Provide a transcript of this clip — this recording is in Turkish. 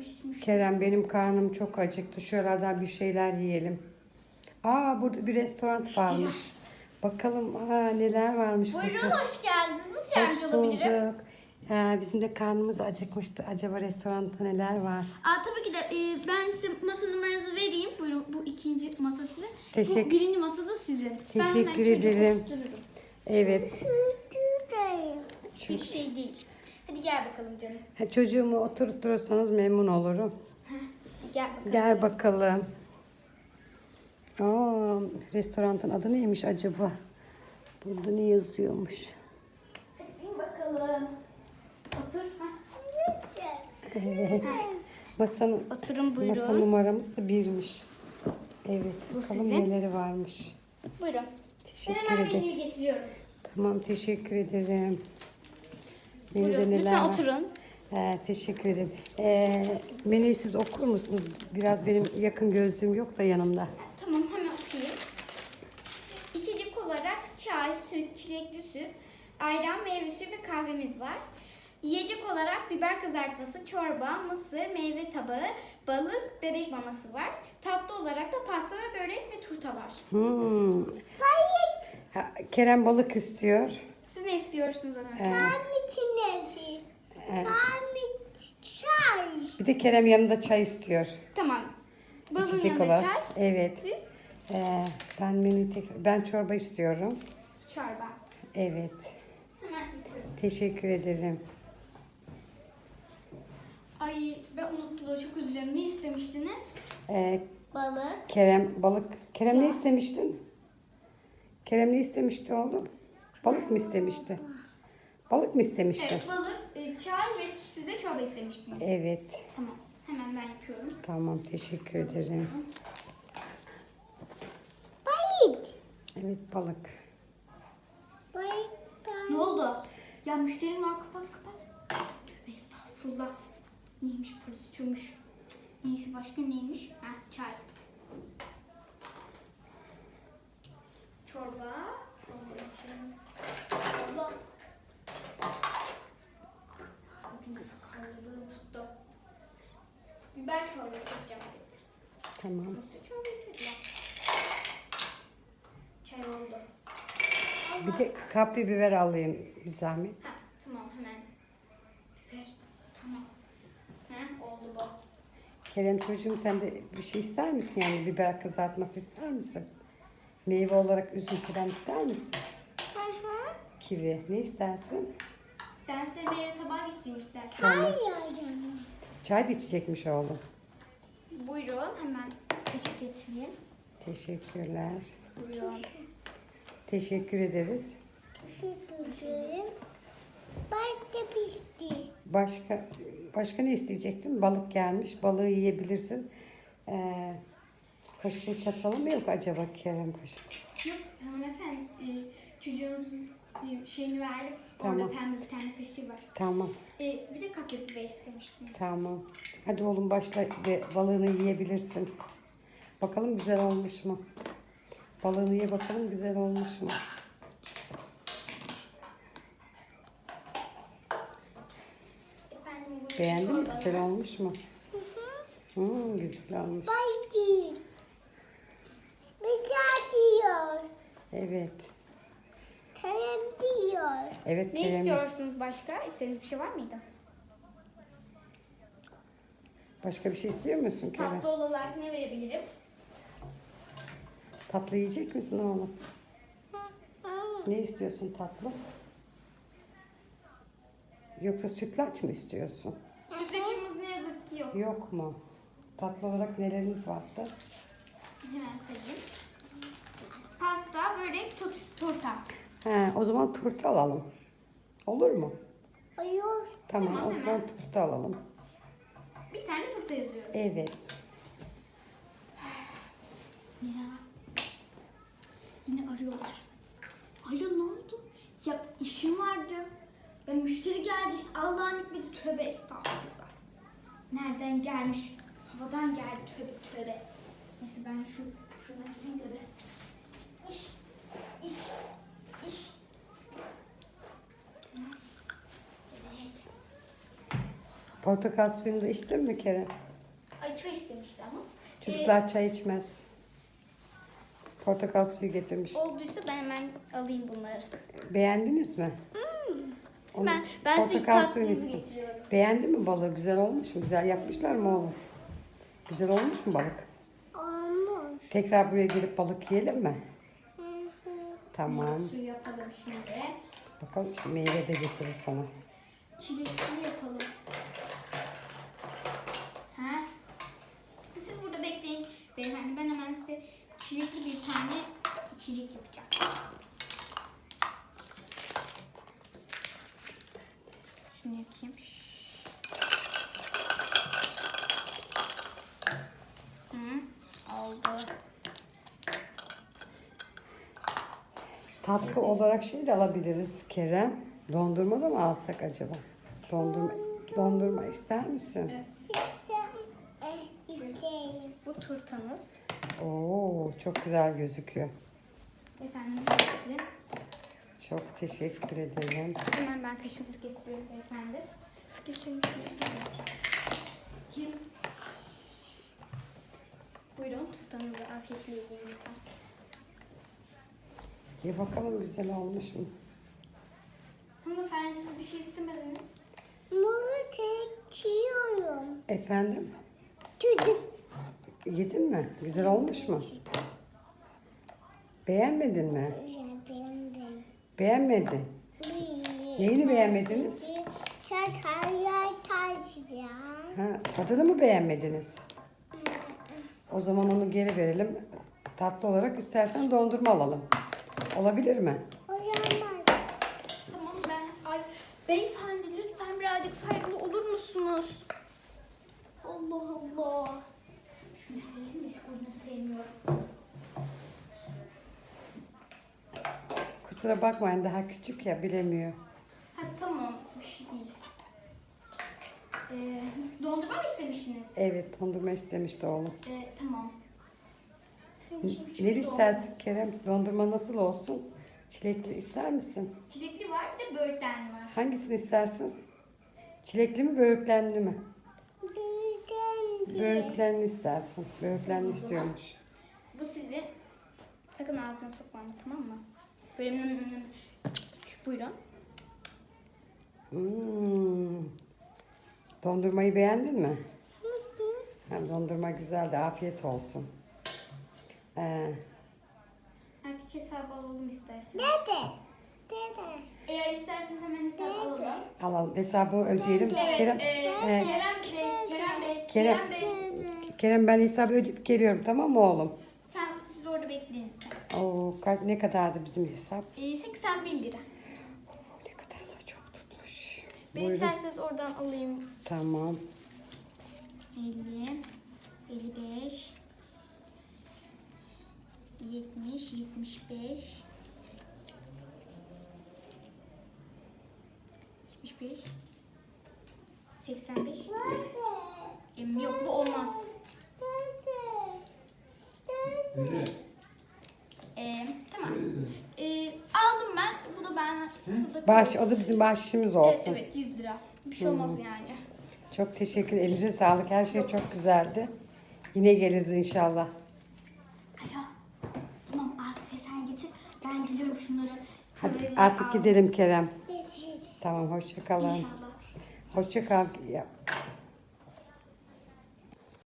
Kerem benim karnım çok acıktı. Şuralardan bir şeyler yiyelim. Aa burada bir restoran varmış. Bakalım neler varmış. Buyurun mesela. hoş geldiniz. Hoş Yardımcı olabilirim. bulduk. Bizim de karnımız acıkmıştı. Acaba restoranda neler var? Tabii ki de ben size masa numaranızı vereyim. Buyurun bu ikinci masa sizin. Teşekkür- Bu birinci masa da sizin. Teşekkür ederim. Evet. Bir şey değil. Hadi gel bakalım canım. Çocuğumu oturtursanız memnun olurum. Gel bakalım. Gel bakalım. Restoranın adı neymiş acaba? Burada ne yazıyormuş? Hadi bakalım. Otur. Evet. Masanın, Oturun buyurun. masa numaramız da birmiş. Evet. Bu Bakalım sizin. neleri varmış. Buyurun. Ben Teşekkür hemen ederim. menüyü getiriyorum. Tamam teşekkür ederim. Menüde Buyurun. neler Lütfen var? oturun. Teşekkür ederim. Menüyü siz okur musunuz? Biraz benim yakın gözlüğüm yok da yanımda. Tamam hemen okuyayım. İçecek olarak çay, süt, çilekli süt, ayran, meyve suyu ve kahvemiz var. Yiyecek olarak biber kızartması, çorba, mısır, meyve tabağı, balık, bebek maması var. Tatlı olarak da pasta ve börek ve turta var. Kerem balık istiyor. Siz ne istiyorsunuz Ömer? Bir de Kerem yanında çay istiyor. Tamam. Balığın İçecek yanında olarak. çay. Evet. Siz? Ben çorba istiyorum. Çorba. Evet. Hemen yapıyorum. Teşekkür ederim. Ay ben unuttum da çok üzülüyorum. Ne istemiştiniz? Balık. Kerem balık. Kerem ne istemiştin? Kerem ne istemişti oğlum? Balık mı istemişti? Balık mı istemişti? Evet balık, çay ve siz de çorba istemiştiniz. Evet. Tamam. Hemen ben yapıyorum. Tamam teşekkür ederim. Evet balık. Ne oldu? Ya müşterim var kapat. Tövbe estağfurullah. Neymiş para istiyormuş. Neyse başka neymiş? Çay. Çorba. Çorba için. Allah. Bugün sakarlılığım tuttu. Biber çorbası yapacağım. Evet. Tamam. Soslu çorba istediler. Çay oldu. Bir de kapri biber alayım bir zahmet. Tamam hemen. Biber. Tamam. Oldu bu. Kerem çocuğum sen de bir şey ister misin yani biber kızartması ister misin? Meyve olarak üzüm falan ister misin? Kivi ne istersin? Ben size meyve tabağı getireyim isterseniz. Tamam. Çay da içecekmiş oğlum. Buyurun hemen eşlik getireyim. Teşekkürler. Buyurun. Teşekkür ederiz. Başka ne isteyecektin? Balık gelmiş. Balığı yiyebilirsin. Kaşığı çatalı mı yok acaba Kerem kaşığı? Yok hanımefendi çocuğunuzun şeyini verdim. Tamam. Orada pembe bir tane kaşığı var. Tamam. Bir de kapya biber istemiştiniz. Tamam. Hadi oğlum başla ve balığını yiyebilirsin. Bakalım güzel olmuş mu? Balığını ye bakalım güzel olmuş mu? Efendim, buyurun, Beğendin mi? çorbanız. Güzel olmuş mu? Güzel olmuş. Evet. Evet Ne Kerem. istiyorsunuz başka? İstediğiniz bir şey var mıydı? Başka bir şey istiyor musun Kerem? Tatlı olarak ne verebilirim? Tatlı yiyecek misin oğlum? Ne istiyorsun tatlı? Yoksa sütlaç mı istiyorsun? Sütlaçımız ne yazık ki yok. Yok mu? Tatlı olarak neleriniz vardı? Hemen sayayım. Pasta, börek, turta. O zaman turta alalım. Olur mu? Tamam, Tamam o hemen. zaman turta alalım. Bir tane turta yazıyorum. Evet. Ya. Yine arıyorlar. Alo ne oldu? Ya işim vardı. Ya müşteri geldi işte Allah'ın hikmeti tövbe estağfurullah. Nereden gelmiş? Havadan geldi tövbe. Neyse ben şu fırına gideyim de bir. İş. Evet. Portakal suyunu da içtin mi Kerem? Ay çay istemişti ama. Çocuklar çay içmez. Portakal suyu getirmiş. Olduysa ben hemen alayım bunları. Beğendiniz mi? Onu- Ben size portakal tatlınızı suyunu içsin. getiriyorum. Beğendin mi balığı? Güzel olmuş mu? Güzel yapmışlar mı oğlum? Güzel olmuş mu balık? Olmuş. Tekrar buraya gelip balık yiyelim mi? Tamam. Suyu yapalım şimdi. Bakalım şimdi meyve de getirir sana. Çilekli yapalım. Ha? Siz burada bekleyin. Beyefendi ben hemen size çilekli bir tane içecek yapacağım. Şunu yakayım. Oldu. Tatlı olarak şey de alabiliriz Kerem. Dondurma da mı alsak acaba? Dondurma ister misin? İsteyim. Bu turtanız. Oo, çok güzel gözüküyor. Efendim size. Çok teşekkür ederim. Hemen ben kaşığınızı getiriyorum beyefendi. Geçelim. Buyurun turtanızı afiyetle yiyin lütfen. Ye bakalım güzel olmuş mu? Hanımefendi siz bir şey istemediniz. Bunu çekiyorum. Efendim? Çocuk. Yedin mi? Güzel olmuş mu? Beğenmedin mi? Benim. Beğenmedin. Neyini beğenmediniz? Çatalla taşıyacağım. Ha, tadını mı beğenmediniz? O zaman onu geri verelim. Tatlı olarak istersen dondurma alalım. Olabilir mi? Olamaz. Tamam ay beyefendi lütfen birazcık saygılı olur musunuz? Allah Allah. Şu müşterinin de şunu sevmiyorum. Kusura bakmayın daha küçük ya bilemiyor. Ha tamam bir şey değil. Dondurma mı istemiştiniz? Evet dondurma istemişti oğlum. Tamam. Sizin için küçük Ne bir istersin Kerem? Dondurma nasıl olsun? Çilekli ister misin? Çilekli var bir de böğürtlen var. Hangisini istersin? Çilekli mi böğürtlenli mi? Birden Böğürtlenli istersin. Böğürtlenli istiyormuş. Bu sizin. Sakın ağzına sokmam tamam mı? Böyle buyurun. Dondurmayı beğendin mi? Dondurma güzeldi. Afiyet olsun. Erkek hesabı alalım isterseniz. Dede. Eğer isterseniz hemen hesabı alalım. Alalım. Hesabı ödeyelim. Evet, Kerem, Kerem Bey. Kerem ben hesabı ödeyip geliyorum tamam mı oğlum? Siz orada bekleyin. Oo, ne kadardı bizim hesap? 81 lira. Ne kadar da çok tutmuş. Ben Buyurun. isterseniz oradan alayım. Tamam. 50, 55, 70, 75, 75, 85. Yok bu olmaz. Tamam. Aldım ben. Bu da ben sadaka. O da bizim bahşişimiz Evet, olsun. evet 100 lira. Bir şey olmaz yani. Çok teşekkür ederim. Elinize sağlık. Her şey çok güzeldi. Yine geliriz inşallah. Alo. Tamam arkaya sen getir. Ben geliyorum şunları. Hadi Şöyle artık al. gidelim Kerem. Tamam hoşça kalın. İnşallah. Hoşça kal.